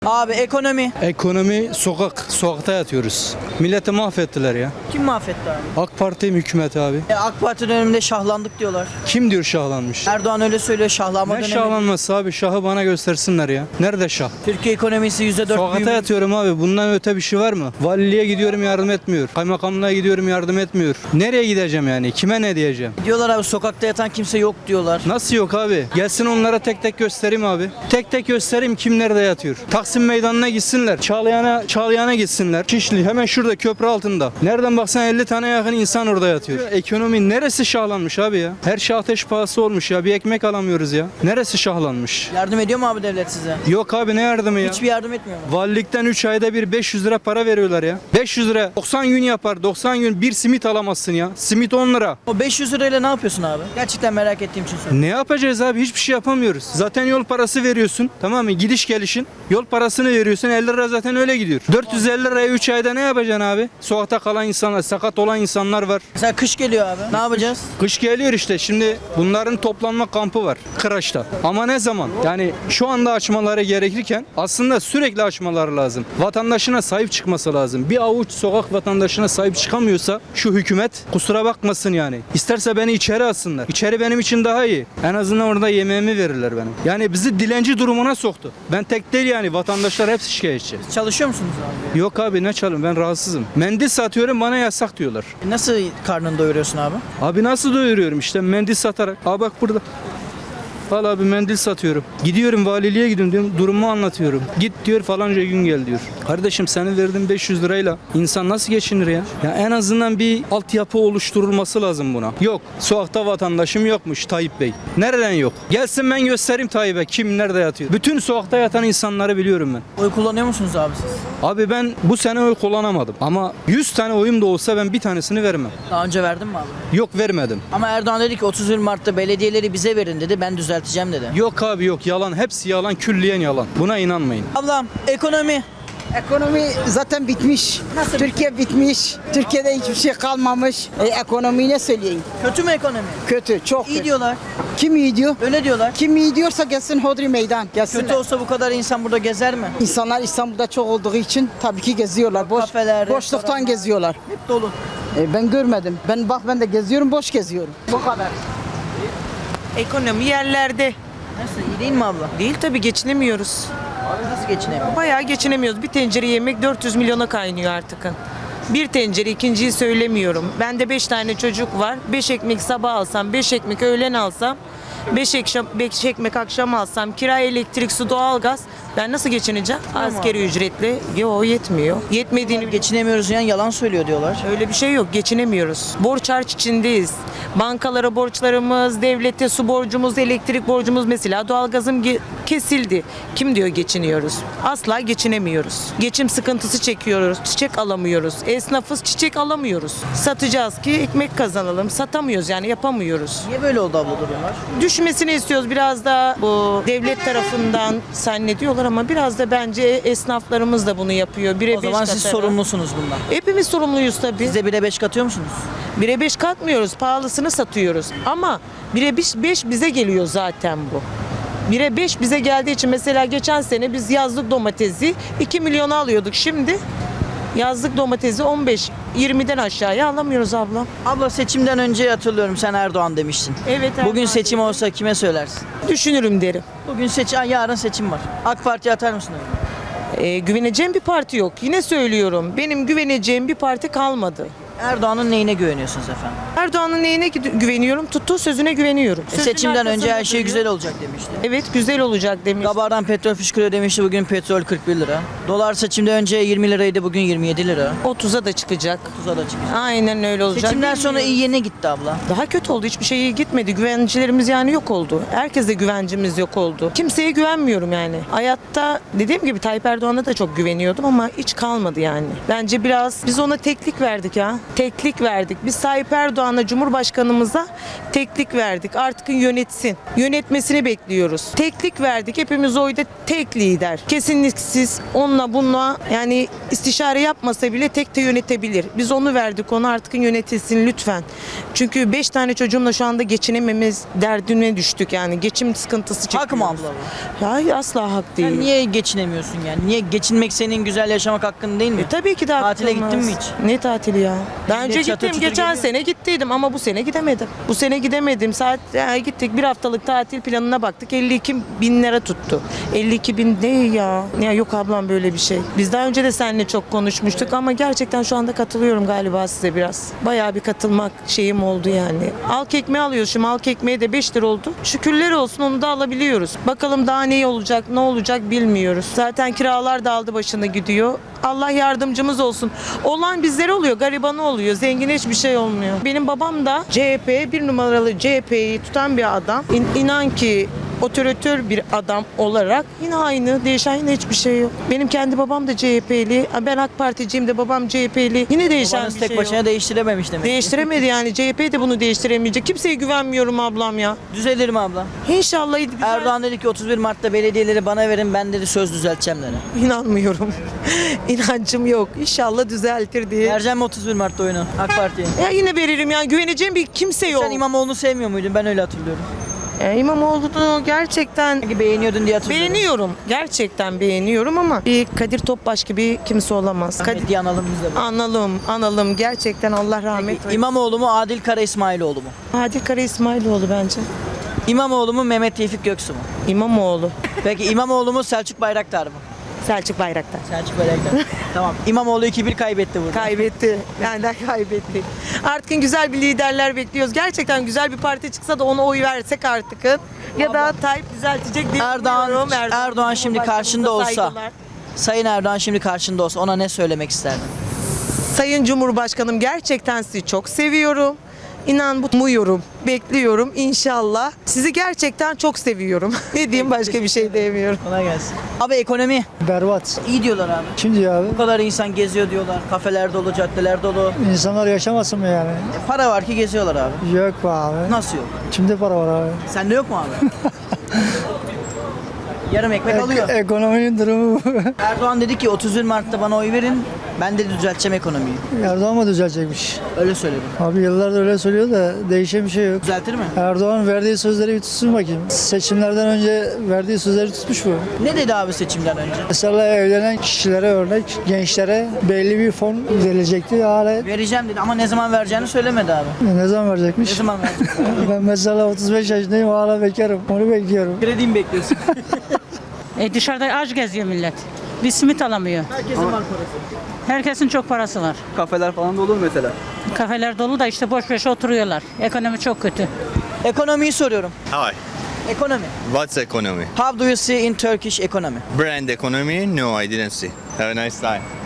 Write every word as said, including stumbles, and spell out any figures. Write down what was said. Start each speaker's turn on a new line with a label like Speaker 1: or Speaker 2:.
Speaker 1: Abi ekonomi.
Speaker 2: Ekonomi sokak, sokakta yatıyoruz. Milleti mahvettiler ya.
Speaker 1: Kim mahvetti abi?
Speaker 2: AK Parti hükümeti abi.
Speaker 1: E, AK Parti döneminde şahlandık diyorlar.
Speaker 2: Kim diyor şahlanmış?
Speaker 1: Erdoğan öyle söylüyor, şahlanma
Speaker 2: Ne
Speaker 1: dönemi.
Speaker 2: şahlanması abi? Şahı bana göstersinler ya. Nerede şah?
Speaker 1: Türkiye ekonomisi yüzde dört
Speaker 2: Sokakta
Speaker 1: büyüme.
Speaker 2: yatıyorum abi. Bundan öte bir şey var mı? Valiliğe gidiyorum yardım etmiyor. Kaymakamlığa gidiyorum yardım etmiyor. Nereye gideceğim yani? Kime ne diyeceğim?
Speaker 1: Diyorlar abi sokakta yatan kimse yok diyorlar.
Speaker 2: Nasıl yok abi? Gelsin onlara tek tek göstereyim abi. Tek tek göstereyim kim nerede yatıyor. Taksim Meydanı'na gitsinler. Çağlayan'a Çağlayan'a gitsinler. Şişli hemen şurada köprü altında. Nereden baksan elli tane yakın insan orada yatıyor. Ekonomi neresi şahlanmış abi ya? Her şey ateş pahası olmuş ya. Bir ekmek alamıyoruz ya. Neresi şahlanmış?
Speaker 1: Yardım ediyor mu abi devlet size?
Speaker 2: Yok abi ne yardımı ya?
Speaker 1: Hiçbir yardım etmiyor mu?
Speaker 2: Valilikten üç ayda bir beş yüz lira para veriyorlar ya. beş yüz lira doksan gün yapar. doksan gün bir simit alamazsın ya. Simit on lira.
Speaker 1: O beş yüz lirayla ne yapıyorsun abi? Gerçekten merak ettiğim için soruyorum.
Speaker 2: Ne yapacağız abi? Hiçbir şey yapamıyoruz. Zaten yol parası veriyorsun. Tamam mı? Gidiş gelişin. Yol parasını veriyorsun. elli lira zaten öyle gidiyor. dört yüz elli liraya üç ayda ne yapacaksın abi? Sokakta kalan insanlar, sakat olan insanlar var.
Speaker 1: Mesela kış geliyor abi. Ne yapacağız?
Speaker 2: Kış geliyor işte. Şimdi bunların toplanma kampı var. Kıraç'ta. Ama ne zaman? Yani şu anda açmaları gerekirken aslında sürekli açmaları lazım. Vatandaşına sahip çıkması lazım. Bir avuç sokak vatandaşına sahip çıkamıyorsa şu hükümet kusura bakmasın yani. İsterse beni içeri alsınlar. İçeri benim için daha iyi. En azından orada yemeğimi verirler benim. Yani bizi dilenci durumuna soktu. Ben tek değil yani. Vatandaşlar hepsi şikayetçi.
Speaker 1: Çalışıyor musunuz abi?
Speaker 2: Yok abi ne çalın ben rahatsızım. Mendil satıyorum bana yasak diyorlar.
Speaker 1: E, Nasıl karnını doyuruyorsun abi?
Speaker 2: Abi nasıl doyuruyorum işte mendil satarak. Aa bak burada. Al abi mendil satıyorum. Gidiyorum valiliğe gidiyorum diyorum. Durumu anlatıyorum. Git diyor falanca gün gel diyor. Kardeşim senin verdiğin beş yüz lirayla insan nasıl geçinir ya? Ya en azından bir altyapı oluşturulması lazım buna. Yok. Sokakta vatandaşım yokmuş Tayyip Bey. Nereden yok? Gelsin ben göstereyim Tayyip'e kim nerede yatıyor. Bütün sokakta yatan insanları biliyorum ben.
Speaker 1: Oy kullanıyor musunuz abi siz?
Speaker 2: Abi ben bu sene oy kullanamadım. Ama yüz tane oyum da olsa ben bir tanesini vermem.
Speaker 1: Daha önce verdin mi abi?
Speaker 2: Yok vermedim.
Speaker 1: Ama Erdoğan dedi ki otuz bir Mart'ta belediyeleri bize verin dedi. Ben düzelteceğim dedi.
Speaker 2: Yok abi yok yalan. Hepsi yalan. Külliyen yalan. Buna inanmayın.
Speaker 1: Ablam ekonomi.
Speaker 3: Ekonomi zaten bitmiş.
Speaker 1: Nasıl
Speaker 3: Türkiye bitmiş. Türkiye'de hiçbir şey kalmamış. E, ekonomiyi ne söyleyeyim?
Speaker 1: Kötü mü ekonomi?
Speaker 3: Kötü, çok
Speaker 1: İyi
Speaker 3: kötü.
Speaker 1: diyorlar.
Speaker 3: Kim iyi diyor?
Speaker 1: Öyle diyorlar.
Speaker 3: Kim iyi diyorsa gelsin Hodri Meydan. Gelsinler.
Speaker 1: Kötü olsa bu kadar insan burada gezer mi?
Speaker 3: İnsanlar İstanbul'da çok olduğu için tabii ki geziyorlar. Boş,
Speaker 1: Kafeler,
Speaker 3: boşluktan
Speaker 1: restoranlar.
Speaker 3: geziyorlar.
Speaker 1: Hep dolu.
Speaker 3: E, ben görmedim. Ben bak ben de geziyorum, boş geziyorum. Bu kadar.
Speaker 4: Ekonomi yerlerde.
Speaker 1: Nasıl iyi değil mi abla?
Speaker 4: Değil tabii geçinemiyoruz.
Speaker 1: Nasıl geçinemiyor?
Speaker 4: Bayağı geçinemiyoruz. Bir tencere yemek dört yüz milyona kaynıyor artık. Bir tencere ikinciyi söylemiyorum. Bende beş tane çocuk var. beş ekmek sabah alsam, beş ekmek öğlen alsam, beş ekmek akşam alsam, kira, elektrik, su, doğalgaz. Ben nasıl geçineceğim? Asgari ücretle. Yo yetmiyor. Yetmediğini
Speaker 1: Geçinemiyoruz yani yalan söylüyor diyorlar.
Speaker 4: öyle bir şey yok. Geçinemiyoruz. Borç harç içindeyiz. Bankalara borçlarımız, devlete su borcumuz, elektrik borcumuz mesela doğalgazım ge- kesildi. Kim diyor geçiniyoruz? Asla geçinemiyoruz. Geçim sıkıntısı çekiyoruz. Çiçek alamıyoruz. Esnafız çiçek alamıyoruz. Satacağız ki ekmek kazanalım. Satamıyoruz yani yapamıyoruz.
Speaker 1: Niye böyle oldu abla durumlar?
Speaker 4: Düşmesini istiyoruz biraz da bu devlet tarafından zannediyorlar ama biraz da bence esnaflarımız da bunu yapıyor. Bire
Speaker 1: O zaman
Speaker 4: beş
Speaker 1: siz
Speaker 4: katarak.
Speaker 1: sorumlusunuz bundan.
Speaker 4: Hepimiz sorumluyuz tabii.
Speaker 1: Siz de bire beş katıyor musunuz?
Speaker 4: Bire beş katmıyoruz, pahalısını satıyoruz. Ama bire beş bize geliyor zaten bu. Bire beş bize geldiği için mesela geçen sene biz yazlık domatesi iki milyona alıyorduk. Şimdi yazlık domatesi on beş yirmiden aşağıya alamıyoruz abla.
Speaker 1: Abla seçimden önce hatırlıyorum sen Erdoğan demiştin.
Speaker 4: Evet.
Speaker 1: Bugün
Speaker 4: Erdoğan
Speaker 1: seçim
Speaker 4: dedi.
Speaker 1: olsa kime söylersin?
Speaker 4: Düşünürüm derim.
Speaker 1: Bugün seçim, yarın seçim var. AK Parti'ye atar mısın öyle?
Speaker 4: Ee, güveneceğim bir parti yok. Yine söylüyorum. Benim güveneceğim bir parti kalmadı.
Speaker 1: Erdoğan'ın neyine güveniyorsunuz efendim?
Speaker 4: Erdoğan'ın neyine gü- güveniyorum? Tuttuğu sözüne güveniyorum.
Speaker 1: E,
Speaker 4: Sözünün
Speaker 1: seçimden önce her
Speaker 4: arkasında
Speaker 1: şey
Speaker 4: duruyor.
Speaker 1: güzel olacak demişti.
Speaker 4: Evet güzel olacak demiş.
Speaker 1: Gabar'dan petrol fışkırıyor demişti, bugün petrol kırk bir lira. Dolar seçimden önce yirmi liraydı, bugün yirmi yedi lira.
Speaker 4: otuza da çıkacak.
Speaker 1: otuza da çıkacak.
Speaker 4: Aynen öyle olacak.
Speaker 1: Seçimden sonra
Speaker 4: Bilmiyorum.
Speaker 1: iyiye ne gitti abla?
Speaker 4: Daha kötü oldu. Hiçbir şey iyi gitmedi. Güvencilerimiz yani yok oldu. Herkese güvencimiz yok oldu. Kimseye güvenmiyorum yani. Hayatta dediğim gibi Tayyip Erdoğan'a da çok güveniyordum ama hiç kalmadı yani. Bence biraz biz ona teklik verdik ya. Teklik verdik. Biz Tayyip Erdoğan'a, Cumhurbaşkanımıza teklik verdik. Artık yönetsin. Yönetmesini bekliyoruz. Teklik verdik. Hepimiz oyda tek lider. Kesinliksiz onunla bununla yani istişare yapmasa bile tek de yönetebilir. Biz onu verdik. Onu artık yönetilsin lütfen. Çünkü beş tane çocuğumla şu anda geçinememiz derdine düştük yani. Geçim sıkıntısı çekiyoruz.
Speaker 1: Hak mı abla bu?
Speaker 4: Hayır, asla hak değil.
Speaker 1: Sen niye geçinemiyorsun yani? Niye geçinmek senin güzel yaşamak hakkın değil mi?
Speaker 4: E, tabii ki de
Speaker 1: Tatile
Speaker 4: hakkımız.
Speaker 1: gittin mi hiç?
Speaker 4: Ne tatili ya? Daha
Speaker 1: Millet
Speaker 4: önce
Speaker 1: çatır
Speaker 4: gittim.
Speaker 1: çutur
Speaker 4: Geçen
Speaker 1: geliyor.
Speaker 4: sene gittiydim ama bu sene gidemedim. Bu sene gidemedim. Saat ya, gittik bir haftalık tatil planına baktık. elli iki bin lira tuttu. elli iki bin ne ya? Ya yok ablam böyle bir şey. Biz daha önce de seninle çok konuşmuştuk ama gerçekten şu anda katılıyorum galiba size biraz. Bayağı bir katılmak şeyim oldu yani. Halk ekmeği alıyoruz şimdi. Halk ekmeği de beş lira oldu. Şükürler olsun onu da alabiliyoruz. Bakalım daha ne olacak, ne olacak bilmiyoruz. Zaten kiralar da aldı başını gidiyor. Allah yardımcımız olsun. Olan bizlere oluyor, garibanı oluyor. Zengine hiçbir şey olmuyor. Benim babam da C H P, bir numaralı C H P'yi tutan bir adam. İn, inan ki otoritör bir adam olarak yine aynı, değişen yine hiçbir şey yok. Benim kendi babam da C H P'li. Ben AK Particiyim de babam C H P'li. Yine değişen
Speaker 1: Babanız
Speaker 4: bir
Speaker 1: tek
Speaker 4: şey
Speaker 1: başına
Speaker 4: yok.
Speaker 1: değiştirememiş demek.
Speaker 4: Değiştiremedi yani. C H P de bunu değiştiremeyecek. Kimseye güvenmiyorum ablam ya.
Speaker 1: Düzelir mi abla?
Speaker 4: İnşallah güzel.
Speaker 1: Erdoğan dedi ki otuz bir Mart'ta belediyeleri bana verin, ben dedi söz düzelteceğim dedi.
Speaker 4: İnanmıyorum. İnancım yok. İnşallah düzeltir diye.
Speaker 1: Vereceğim mi otuz bir Mart'ta oyunu AK Parti'ye?
Speaker 4: Ya yine veririm ya. Güveneceğim bir kimse yok.
Speaker 1: Sen İmamoğlu'nu sevmiyor muydun? Ben öyle hatırlıyorum.
Speaker 4: E, İmamoğlu'nu gerçekten
Speaker 1: Sanki beğeniyordun diye hatırlıyorum.
Speaker 4: beğeniyorum. Gerçekten beğeniyorum ama bir Kadir Topbaş gibi kimse olamaz. Kadir...
Speaker 1: Kadir analım biz de.
Speaker 4: Analım, analım. Gerçekten Allah rahmet eylesin.
Speaker 1: İmamoğlu mu, Adil Kara İsmailoğlu mu?
Speaker 4: Adil Kara İsmailoğlu bence.
Speaker 1: İmamoğlu mu, Mehmet Tevfik Göksu mu?
Speaker 4: İmamoğlu.
Speaker 1: Peki İmamoğlu mu, Selçuk Bayraktar mı?
Speaker 4: Selçuk Bayraktar.
Speaker 1: Selçuk Bayraktar. Tamam. İmamoğlu iki bir kaybetti burada.
Speaker 4: Kaybetti. Benden kaybetti. Artık güzel bir liderler bekliyoruz. Gerçekten güzel bir parti çıksa da ona oy versek artık. Ya da Tayyip düzeltecek diye
Speaker 1: Erdoğan,
Speaker 4: umuyorum.
Speaker 1: Erdoğan şimdi karşında olsa,
Speaker 4: Saygılar.
Speaker 1: Sayın Erdoğan şimdi karşında olsa ona ne söylemek isterdin?
Speaker 4: Sayın Cumhurbaşkanım gerçekten sizi çok seviyorum. İnan bu umuyorum, bekliyorum inşallah. Sizi gerçekten çok seviyorum. Ne diyeyim başka bir şey diyemiyorum.
Speaker 1: Kolay gelsin. Abi ekonomi
Speaker 5: Berbat.
Speaker 1: iyi diyorlar abi.
Speaker 5: Kim diyor abi?
Speaker 1: Bu kadar insan geziyor diyorlar. Kafeler dolu, caddeler dolu.
Speaker 5: İnsanlar yaşamasın mı yani?
Speaker 1: E, para var ki geziyorlar abi.
Speaker 5: Yok be abi.
Speaker 1: Nasıl yok?
Speaker 5: Kimde para var abi?
Speaker 1: Sende yok mu abi? Yarım ekmek alıyor.
Speaker 5: Ek- ekonominin durumu bu.
Speaker 1: Erdoğan dedi ki otuz bir Mart'ta bana oy verin. Ben de düzelteceğim ekonomiyi.
Speaker 5: Erdoğan mı düzelecekmiş?
Speaker 1: Öyle söyledi.
Speaker 5: Abi yıllardır öyle söylüyor da değişen bir şey yok.
Speaker 1: Düzeltir mi?
Speaker 5: Erdoğan verdiği sözleri bir tutsun bakayım. Seçimlerden önce verdiği sözleri tutmuş mu?
Speaker 1: Ne dedi abi seçimden önce?
Speaker 5: Mesela evlenen kişilere örnek, gençlere belli bir fon verilecekti. Hala
Speaker 1: Vereceğim dedi ama ne zaman vereceğini söylemedi abi.
Speaker 5: ne zaman
Speaker 1: Ne
Speaker 5: verecekmiş?
Speaker 1: zaman verecek?
Speaker 5: Ben mesela otuz beş yaşındayım, hala bekarım. Onu bekliyorum.
Speaker 1: Kredi mi bekliyorsun?
Speaker 6: E dışarıda aç geziyor millet. Bir simit alamıyor.
Speaker 1: Herkesin var parası.
Speaker 6: Herkesin çok parası var.
Speaker 7: Kafeler falan da olur mu mesela?
Speaker 6: Kafeler dolu da işte boş boş oturuyorlar. Ekonomi çok kötü.
Speaker 1: Ekonomiyi soruyorum.
Speaker 8: Hi,
Speaker 1: Ekonomi.
Speaker 8: what's economy?
Speaker 1: How do you see in Turkish economy?
Speaker 8: Brand economy? No, I didn't see. Have a nice time.